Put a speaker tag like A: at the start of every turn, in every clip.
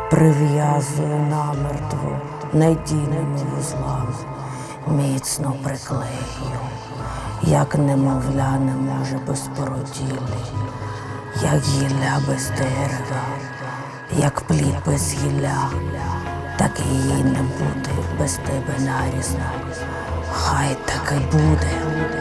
A: Прив'язую намертво надійними вузлами, міцно приклею, як немовля не може без породілі, як гілля без дерева, як плід без гілля, так і її не буде без тебе нарізно. Хай так і буде.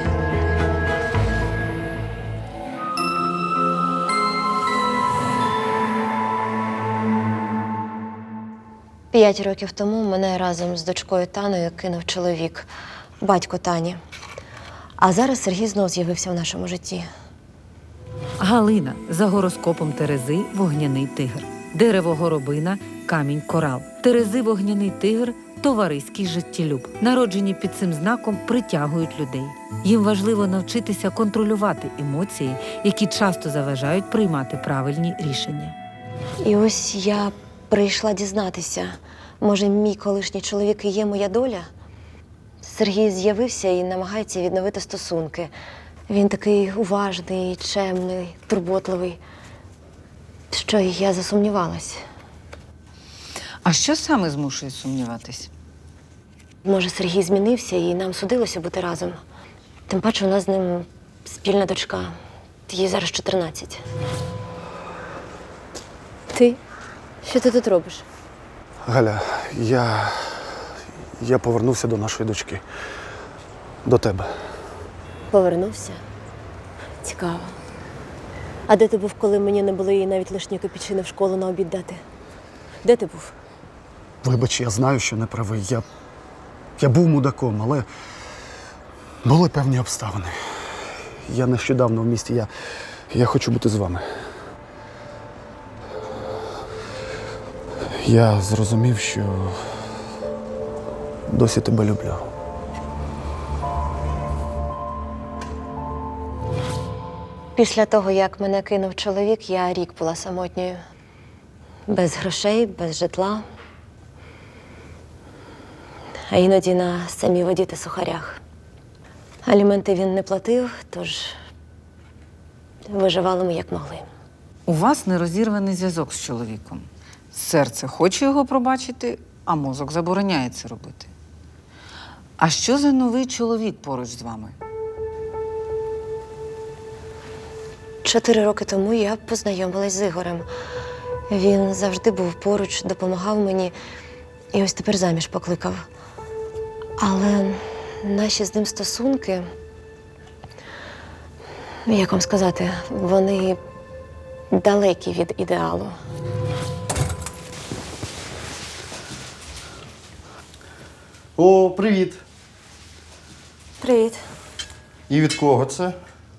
B: 5 років тому мене разом з дочкою Таною кинув чоловік, батько Тані. А зараз Сергій знов з'явився в нашому житті.
C: Галина за гороскопом Терези – вогняний тигр. Дерево горобина – камінь корал. Терези вогняний тигр – товариський життєлюб. Народжені під цим знаком притягують людей. Їм важливо навчитися контролювати емоції, які часто заважають приймати правильні рішення.
B: І ось я прийшла дізнатися, може, мій колишній чоловік і є моя доля? Сергій з'явився і намагається відновити стосунки. Він такий уважний, чемний, турботливий, що я засумнівалась.
D: А що саме змушує сумніватись?
B: Може, Сергій змінився і нам судилося бути разом. Тим паче у нас з ним спільна дочка. Їй зараз 14. Ти? Що ти тут робиш?
E: Галя, я повернувся до нашої дочки. До тебе.
B: Повернувся? Цікаво. А де ти був, коли мені не було її навіть лишньої копійчини в школу на обід дати? Де ти був?
E: Вибач, я знаю, що не правий. Я був мудаком, але були певні обставини. Я нещодавно в місті, я хочу бути з вами. Я зрозумів, що досі тебе люблю.
B: Після того, як мене кинув чоловік, я рік була самотньою. Без грошей, без житла. А іноді на самій воді та сухарях. Аліменти він не платив, тож виживали ми як могли.
D: У вас нерозірваний зв'язок з чоловіком. Серце хоче його пробачити, а мозок забороняє це робити. А що за новий чоловік поруч з вами?
B: 4 роки тому я познайомилась з Ігорем. Він завжди був поруч, допомагав мені і ось тепер заміж покликав. Але наші з ним стосунки, як вам сказати, вони далекі від ідеалу.
F: О, привіт!
B: Привіт.
F: І від кого це?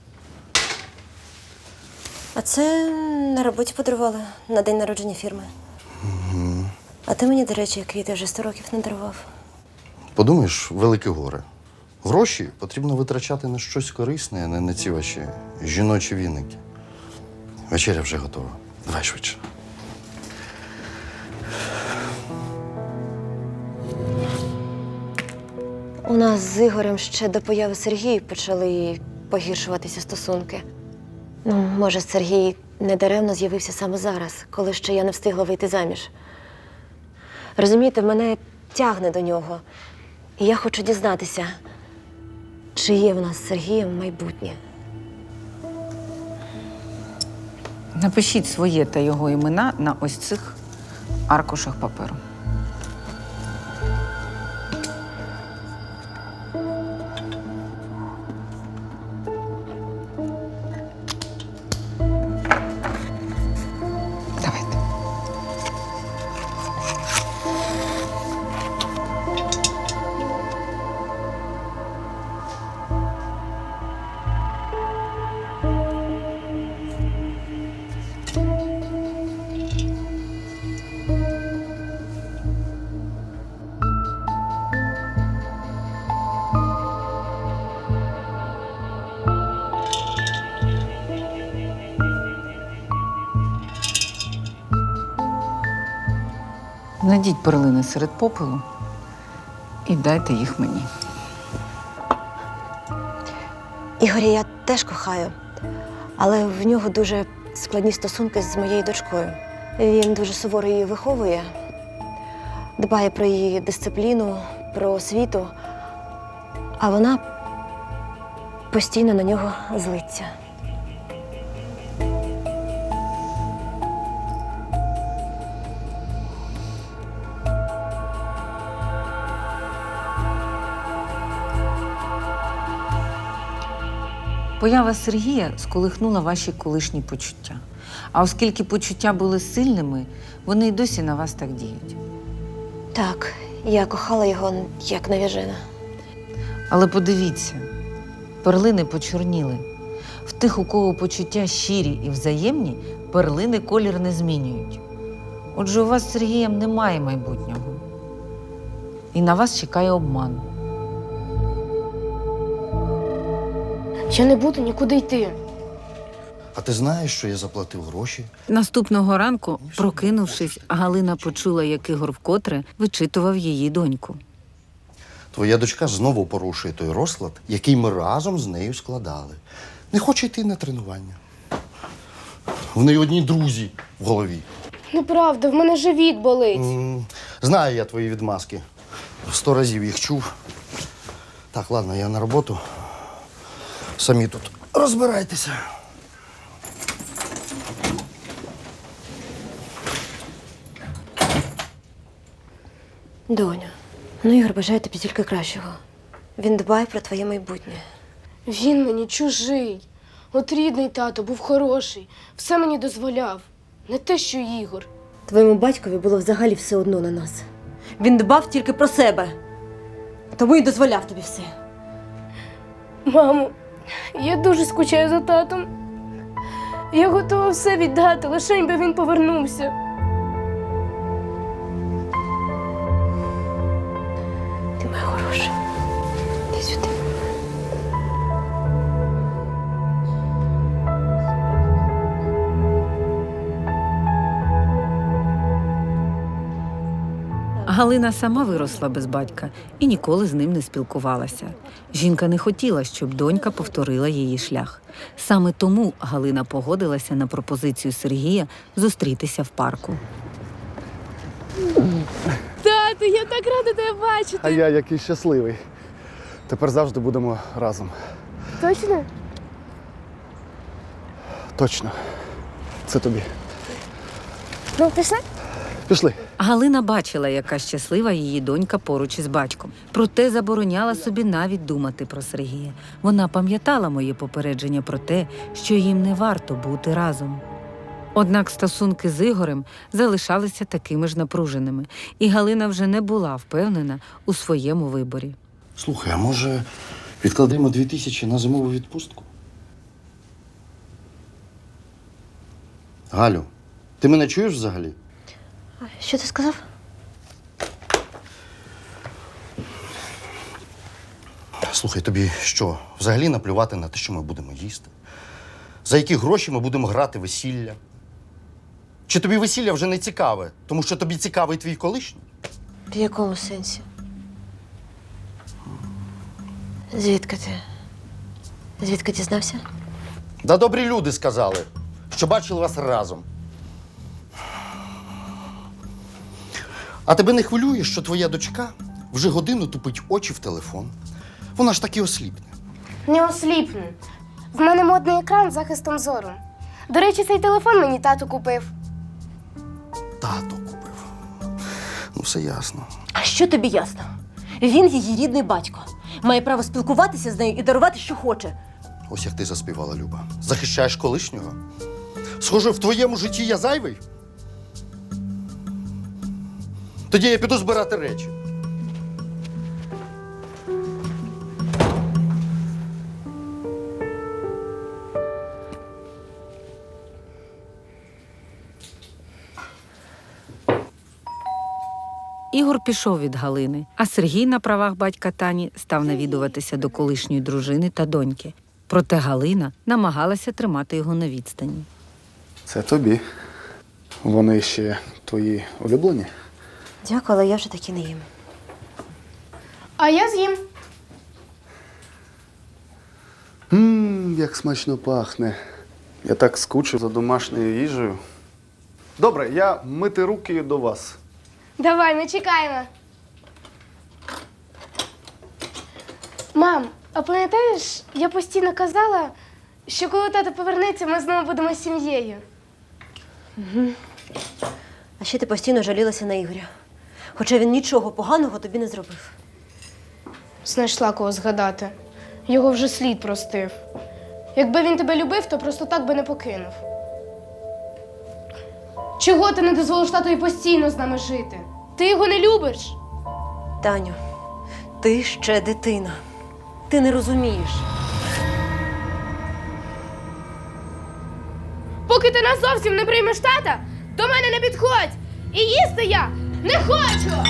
B: А це на роботі подарували на день народження фірми. А ти мені, до речі, квіти вже 100 років не дарував.
F: Подумаєш, велике горе. Гроші потрібно витрачати на щось корисне, а не на ці ваші жіночі віники. Вечеря вже готова. Давай швидше.
B: У нас з Ігорем ще до появи Сергія почали погіршуватися стосунки. Ну, може, Сергій недаремно з'явився саме зараз, коли ще я не встигла вийти заміж. Розумієте, мене тягне до нього. І я хочу дізнатися, чи є в нас з Сергієм майбутнє.
D: Напишіть своє та його імена на ось цих аркушах паперу. Давайте. Знайдіть перлини серед попелу і дайте їх мені.
B: Ігоря я теж кохаю, але в нього дуже складні стосунки з моєю дочкою. Він дуже суворо її виховує, дбає про її дисципліну, про освіту, а вона постійно на нього злиться.
D: Поява Сергія сколихнула ваші колишні почуття. А оскільки почуття були сильними, вони й досі на вас так діють.
B: Так, я кохала його як навіжена.
D: Але подивіться, перлини почорніли. В тих, у кого почуття щирі і взаємні, перлини колір не змінюють. Отже, у вас з Сергієм немає майбутнього. І на вас чекає обман.
G: Я не буду нікуди йти.
F: А ти знаєш, що я заплатив гроші?
C: Наступного ранку, прокинувшись, Галина почула, як Ігор вкотре вичитував її доньку.
F: Твоя дочка знову порушує той розклад, який ми разом з нею складали. Не хоче йти на тренування. В неї одні друзі в голові.
G: Неправда, в мене живіт болить.
F: Знаю я твої відмазки. 100 разів їх чув. Так, ладно, я на роботу. Самі тут розбирайтеся.
B: Доню, Ігор бажає тобі тільки кращого. Він дбає про твоє майбутнє.
G: Він мені чужий. От рідний тато був хороший, все мені дозволяв. Не те, що Ігор.
B: Твоєму батькові було взагалі все одно на нас. Він дбав тільки про себе. Тому й дозволяв тобі все.
G: Мамо, я дуже скучаю за татом. Я готова все віддати, лише би він повернувся.
B: Ти моя хороша. Іди сюди.
C: Галина сама виросла без батька і ніколи з ним не спілкувалася. Жінка не хотіла, щоб донька повторила її шлях. Саме тому Галина погодилася на пропозицію Сергія зустрітися в парку.
G: Тату, я так рада тебе бачити.
E: А я який щасливий. Тепер завжди будемо разом.
G: Точно?
E: Точно. Це тобі.
G: Ну, пішли?
E: Пішли.
C: Галина бачила, яка щаслива її донька поруч із батьком. Проте забороняла собі навіть думати про Сергія. Вона пам'ятала моє попередження про те, що їм не варто бути разом. Однак стосунки з Ігорем залишалися такими ж напруженими, і Галина вже не була впевнена у своєму виборі.
F: Слухай, а може відкладемо 2000 на зимову відпустку? Галю, ти мене чуєш взагалі?
B: Що ти сказав?
F: Слухай, тобі що, взагалі наплювати на те, що ми будемо їсти? За які гроші ми будемо грати весілля? Чи тобі весілля вже не цікаве, тому що тобі цікавий твій колишній?
B: В якому сенсі? Звідки ти? Звідки дізнався?
F: Да добрі люди сказали, що бачили вас разом. А тебе не хвилює, що твоя дочка вже годину тупить очі в телефон? Вона ж таки осліпне.
G: Не осліпну. В мене модний екран з захистом зору. До речі, цей телефон мені тато купив.
F: Тато купив. Ну, все ясно.
H: А що тобі ясно? Він її рідний батько. Має право спілкуватися з нею і дарувати, що хоче.
F: Ось як ти заспівала, Люба. Захищаєш колишнього? Схоже, в твоєму житті я зайвий? Тоді я піду збирати речі.
C: Ігор пішов від Галини, а Сергій на правах батька Тані став навідуватися до колишньої дружини та доньки. Проте Галина намагалася тримати його на відстані.
E: Це тобі. Вони ще твої улюблені?
B: Дякую, але я вже таки не їм.
G: А я з'їм.
E: Як смачно пахне. Я так скучив за домашньою їжею. Добре, я мити руки до вас.
G: Давай, ми чекаємо. Мам, а пам'ятаєш, я постійно казала, що коли тато повернеться, ми знову будемо сім'єю.
B: А ще ти постійно жалілася на Ігоря. Хоча він нічого поганого тобі не зробив.
G: Знайшла кого згадати. Його вже слід простив. Якби він тебе любив, то просто так би не покинув. Чого ти не дозволиш татові постійно з нами жити? Ти його не любиш?
B: Таню, ти ще дитина. Ти не розумієш.
G: Поки ти нас зовсім не приймеш тата, до мене не підходь! І їсти я не хочу!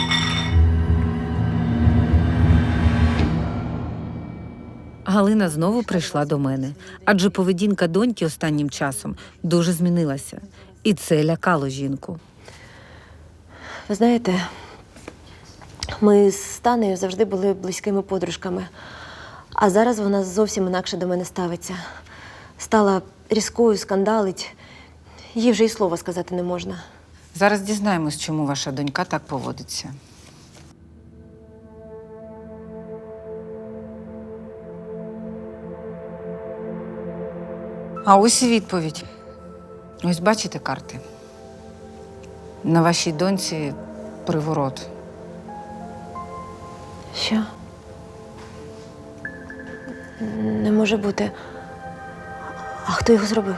C: Галина знову прийшла до мене, адже поведінка доньки останнім часом дуже змінилася. І це лякало жінку.
B: Ви знаєте, ми з Танею завжди були близькими подружками. А зараз вона зовсім інакше до мене ставиться. Стала різкою, скандалить. Їй вже й слова сказати не можна.
D: Зараз дізнаємось, чому ваша донька так поводиться. А ось і відповідь. Ось бачите карти. На вашій доньці приворот.
B: Що? Не може бути. А хто його зробив?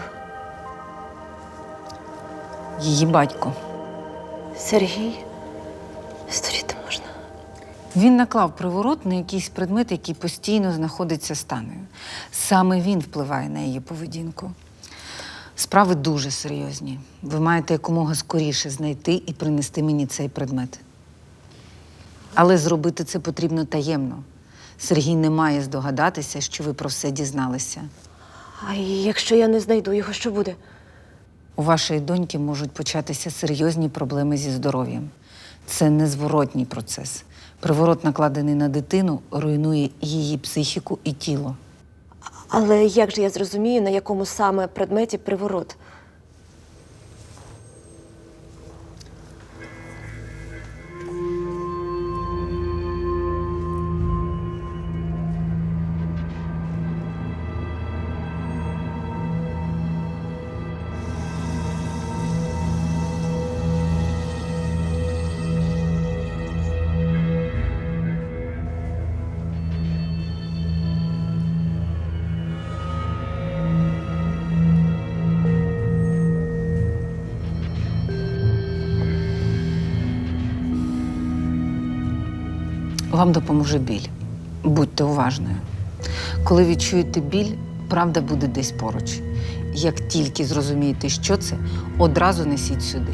D: Її батько.
B: Сергій? Сторіти можна.
D: Він наклав приворот на якийсь предмет, який постійно знаходиться з Танею. Саме він впливає на її поведінку. Справи дуже серйозні. Ви маєте якомога скоріше знайти і принести мені цей предмет. Але зробити це потрібно таємно. Сергій не має здогадатися, що ви про все дізналися.
B: А якщо я не знайду його, що буде?
D: У вашої доньки можуть початися серйозні проблеми зі здоров'ям. Це незворотній процес. Приворот, накладений на дитину, руйнує її психіку і тіло.
B: Але як же я зрозумію, на якому саме предметі приворот?
D: Вам допоможе біль. Будьте уважною. Коли відчуєте біль, правда буде десь поруч. Як тільки зрозумієте, що це, одразу несіть сюди.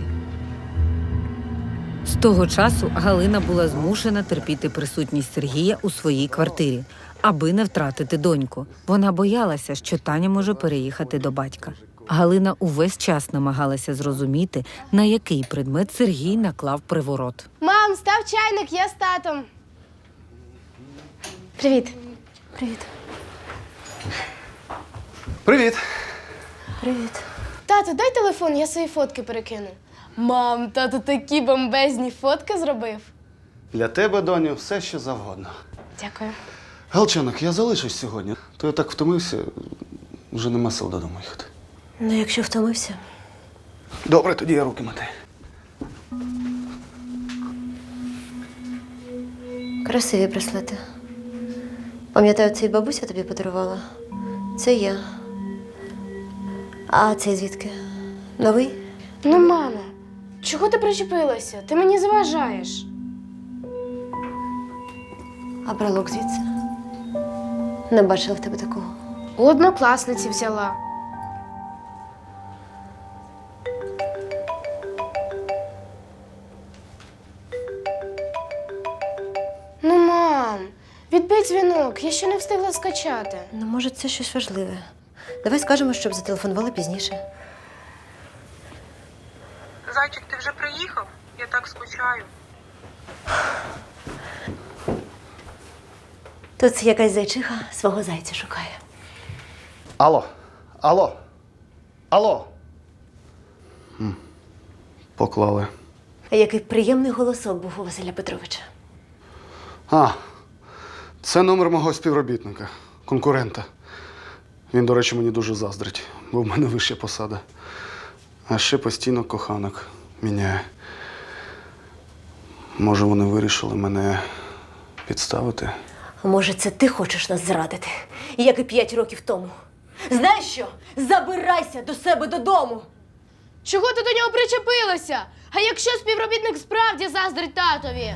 C: З того часу Галина була змушена терпіти присутність Сергія у своїй квартирі, аби не втратити доньку. Вона боялася, що Таня може переїхати до батька. Галина увесь час намагалася зрозуміти, на який предмет Сергій наклав приворот.
G: Мам, став чайник, я з татом. Привіт.
B: Привіт.
E: Привіт!
B: Привіт.
G: Тато, дай телефон, я свої фотки перекину. Мам, тато такі бомбезні фотки зробив.
E: Для тебе, доню, все що завгодно.
G: Дякую.
E: Галчанок, я залишусь сьогодні. То я так втомився, вже нема сил додому їхати.
B: Ну, якщо втомився.
E: Добре, тоді я руки мати.
B: Красиві браслети. Пам'ятаю, цей бабуся тобі подарувала. Це я. А цей звідки? Новий?
G: Ну, мама, чого ти причепилася? Ти мені заважаєш.
B: А брелок звідси? Не бачила в тебе такого.
G: У однокласниці взяла. Ну, мам, відбий дзвінок, я ще не встигла скачати.
B: Ну, може, це щось важливе. Давай скажемо, щоб зателефонували пізніше.
I: Зайчик, ти вже приїхав? Я так скучаю.
B: Тут якась зайчиха свого зайця шукає.
E: Алло, алло, алло. Поклали.
B: А який приємний голосок був у Василя Петровича.
E: А, це номер мого співробітника, конкурента. Він, до речі, мені дуже заздрить, бо в мене вища посада. А ще постійно коханок міняє. Може, вони вирішили мене підставити?
H: А може, це ти хочеш нас зрадити, як і 5 років тому? Знаєш що? Забирайся до себе додому!
G: Чого ти до нього причепилася? А якщо співробітник справді заздрить татові?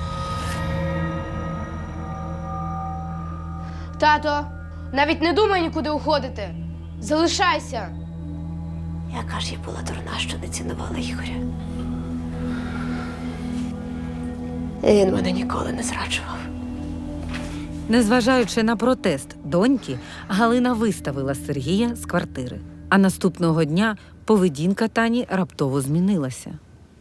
G: Тато, навіть не думай нікуди уходити. Залишайся.
B: Яка ж я була дурна, що не цінувала Ігоря. Він мене ніколи не зраджував.
C: Незважаючи на протест доньки, Галина виставила Сергія з квартири. А наступного дня поведінка Тані раптово змінилася.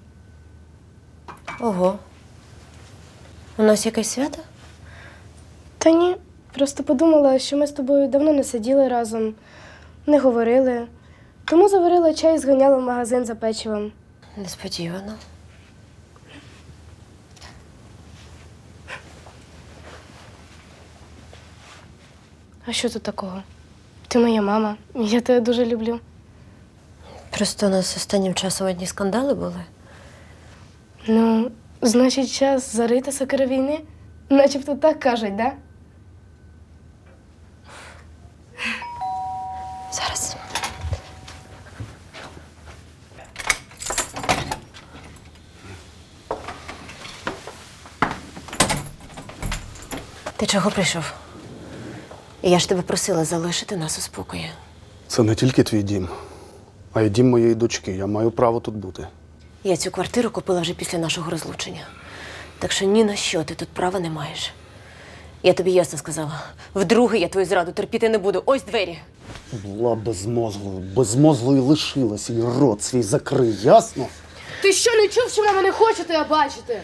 B: Ого. У нас якесь свято?
G: Та ні, просто подумала, що ми з тобою давно не сиділи разом, не говорили. Тому заварила чай і зганяла в магазин за печивом.
B: Несподівано.
G: А що тут такого? Ти моя мама, і я тебе дуже люблю.
B: Просто у нас останнім часом одні скандали були.
G: Ну, значить, час зарити сокири війни? Начебто так кажуть, да?
B: Зараз. Ти чого прийшов? Я ж тебе просила залишити нас у спокої.
E: Це не тільки твій дім, а й дім моєї дочки. Я маю право тут бути.
B: Я цю квартиру купила вже після нашого розлучення. Так що ні на що ти тут права не маєш. Я тобі ясно сказала. Вдруге я твою зраду терпіти не буду. Ось двері.
E: Була безмозглою лишилась, і рот свій закрий, ясно?
G: Ти що, не чув, що вона мене хоче тебе бачити?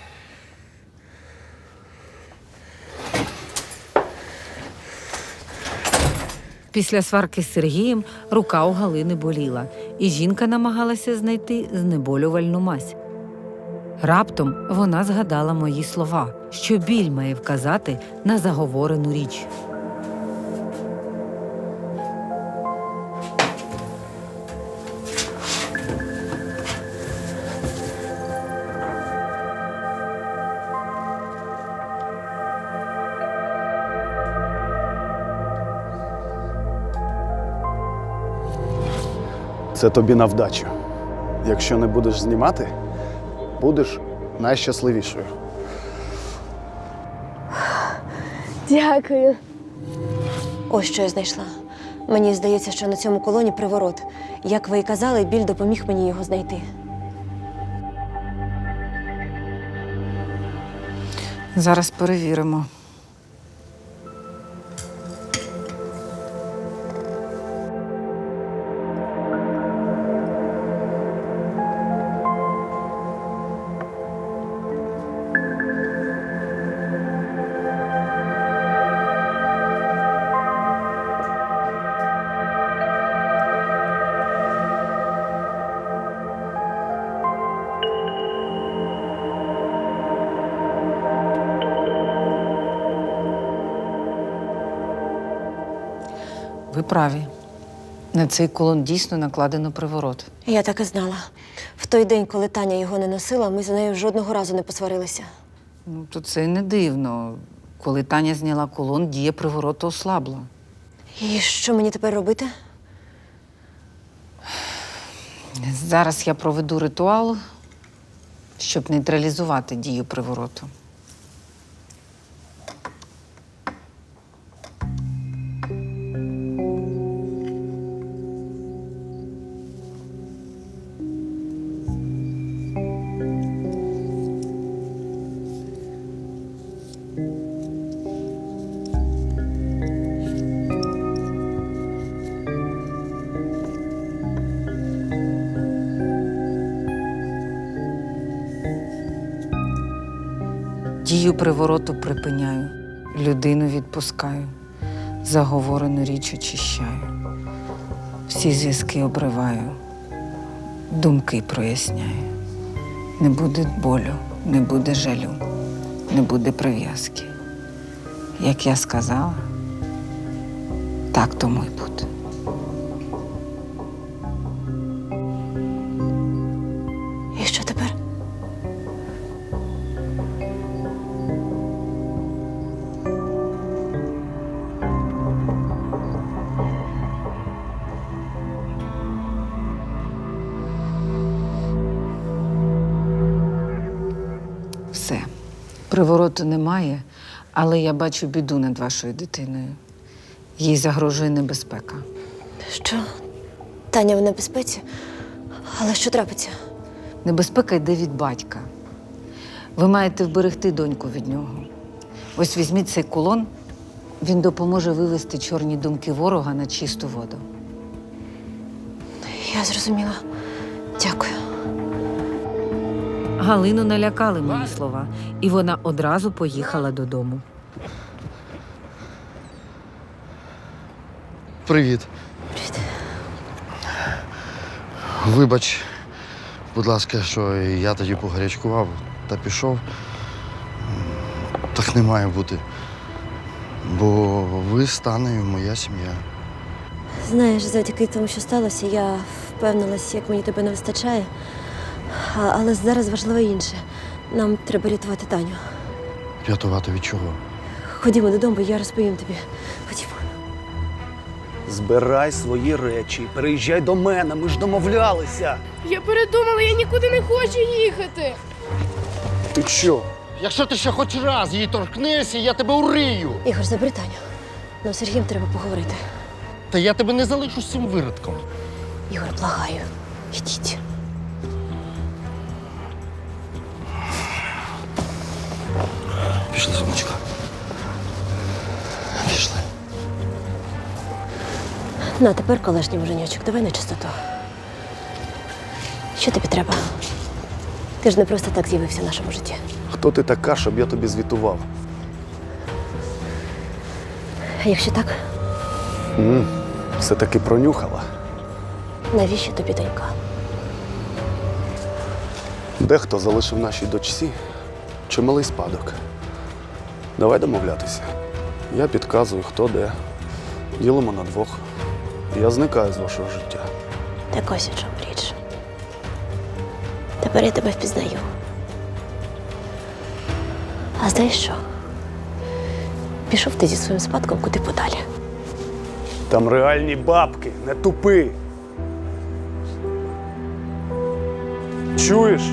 C: Після сварки з Сергієм рука у Галини боліла, і жінка намагалася знайти знеболювальну мазь. Раптом вона згадала мої слова, що біль має вказати на заговорену річ.
E: Це тобі на вдачу. Якщо не будеш знімати, будеш найщасливішою.
G: Дякую.
B: Ось що я знайшла. Мені здається, що на цьому колоні приворот. Як ви і казали, біль допоміг мені його знайти.
D: Зараз перевіримо. Ви праві. На цей кулон дійсно накладено приворот.
B: Я так і знала. В той день, коли Таня його не носила, ми з нею жодного разу не посварилися.
D: Ну, то це й не дивно. Коли Таня зняла кулон, дія привороту ослабла.
B: І що мені тепер робити?
D: Зараз я проведу ритуал, щоб нейтралізувати дію привороту. Дію привороту припиняю, людину відпускаю, заговорену річ очищаю, всі зв'язки обриваю, думки проясняю. Не буде болю, не буде жалю, не буде прив'язки. Як я сказала, так тому й буде.
B: І що тепер?
D: Все. Привороту немає, але я бачу біду над вашою дитиною. Їй загрожує небезпека.
B: Що? Таня в небезпеці? Але що трапиться?
D: Небезпека йде від батька. Ви маєте вберегти доньку від нього. Ось візьміть цей кулон, він допоможе вивести чорні думки ворога на чисту воду.
B: Я зрозуміла. Дякую.
C: Галину налякали мої слова, і вона одразу поїхала додому.
F: Привіт.
B: Привіт.
F: Вибач, будь ласка, що я тоді погарячкував та пішов. Так не має бути. Бо ви з Танею моя сім'я.
B: Знаєш, завдяки тому, що сталося, я впевнилась, як мені тебе не вистачає. Але зараз важливо інше. Нам треба рятувати Таню.
F: Рятувати від чого?
B: Ходімо додому, я розповім тобі. Ходімо.
J: Збирай свої речі, переїжджай до мене, ми ж домовлялися.
G: Я передумала, я нікуди не хочу їхати.
J: Ти що?
F: Якщо ти ще хоч раз її торкнешся, я тебе урию.
B: Ігор, забери Таню. Нам з Сергієм треба поговорити.
F: Та я тебе не залишу з цим виродком.
B: Ігор, благаю. Ідіть.
F: Пішли, сонечко. Пішли.
B: На, тепер колишній муженьочок, давай на чистоту. Що тобі треба? Ти ж не просто так з'явився в нашому житті.
J: Хто ти така, щоб я тобі звітував?
B: А якщо так,
J: Все-таки пронюхала.
B: навіщо тобі донька?
J: Дехто залишив нашій дочці чималий спадок. Давай домовлятися. Я підказую, хто де. Ділимо на двох. Я зникаю з вашого життя.
B: Так ось у чому річ. Тепер я тебе впізнаю. А знаєш що? Пішов ти зі своїм спадком куди подалі.
J: Там реальні бабки, не тупи. Чуєш?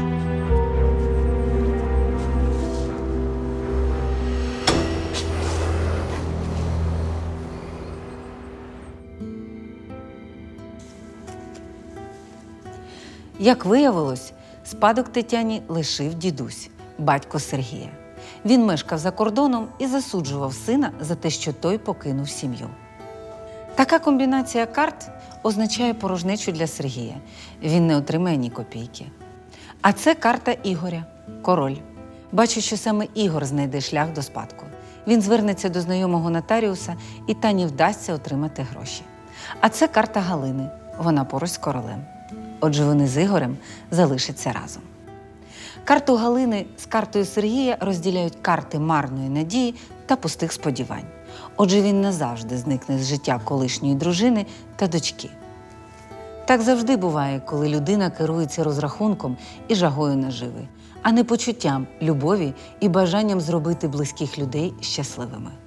D: Як виявилось, спадок Тетяні лишив дідусь, батько Сергія. Він мешкав за кордоном і засуджував сина за те, що той покинув сім'ю. Така комбінація карт означає порожнечу для Сергія. Він не отримає ні копійки. А це карта Ігоря – король. Бачу, що саме Ігор знайде шлях до спадку. Він звернеться до знайомого нотаріуса, і Тані вдасться отримати гроші. А це карта Галини. Вона поруч з королем. Отже, вони з Ігорем залишаться разом. Карту Галини з картою Сергія розділяють карти марної надії та пустих сподівань. Отже, він назавжди зникне з життя колишньої дружини та дочки. Так завжди буває, коли людина керується розрахунком і жагою наживи, а не почуттям, любові і бажанням зробити близьких людей щасливими.